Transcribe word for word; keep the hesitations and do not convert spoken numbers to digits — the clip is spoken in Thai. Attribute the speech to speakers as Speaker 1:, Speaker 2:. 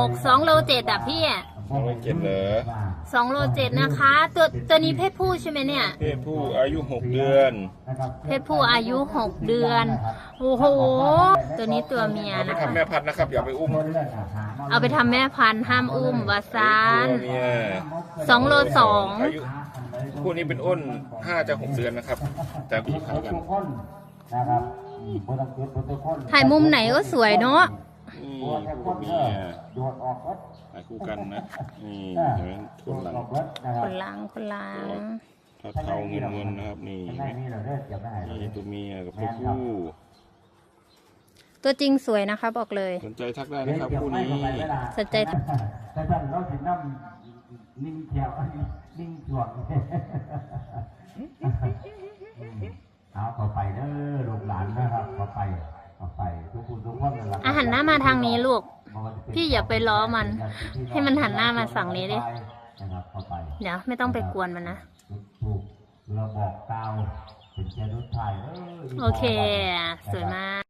Speaker 1: กสองโลเจ็ดอ่ะพี่
Speaker 2: สองโลเจ็ดเหรอ
Speaker 1: สองโลเจ็ดนะคะ ตัวตัวนี้เพศผู้ใช่ไหมเนี่ย
Speaker 2: เพศผู้อายุหกเดือน
Speaker 1: เพศผู้อายุหกเดือนโอ้โหตัวนี้ตัวเมีย
Speaker 2: เอาไป
Speaker 1: นะคะ
Speaker 2: ทำแม่พันธุ์นะครับอย่าไปอุ้ม
Speaker 1: เอาไปทำแม่พันธุ์ห้ามอุ้มวาซาน
Speaker 2: ตัวเมีย
Speaker 1: สองโลสอง
Speaker 2: อายุคู่นี้เป็นอ้นห้าจะหกเดือนนะครับ แต่พี่ขายกัน
Speaker 1: ถ่ายมุมไหนก็สวยเนาะ
Speaker 2: นี่คู่เมียถ่ายคู่กันนะนี่เห็นไหมทุนหลัง
Speaker 1: คนล้างคนล้าง
Speaker 2: เทาๆเงินเงินๆนะครับนี่เห็นไหมนี่ตัวเมียกับตัวผู้
Speaker 1: ตัวจริงสวยนะคะบอกเลย
Speaker 2: สนใจทักได้นะครับคู่นี้
Speaker 1: สนใจ
Speaker 3: แต่ท่านเราสิน้ำนิ่งเขียวนิ่งจวกเอาเข้าไปเด้อลูกหลานนะครับเข้าไปเข้าไปทุกคนทุกคนนะครับ
Speaker 1: อาหันหน้ามาทางนี้ลูก พี่อย่าไปล้อมัน ให้มันหันหน้ามาฝั่งนี้ดิ
Speaker 3: นะครับเข้าไป
Speaker 1: เดี๋ยวไม่ต้องไปกวนมันนะ
Speaker 3: ถูกเราบอกกล่าวเป็นแค่รุ่นไทย
Speaker 1: โอเค สวยมาก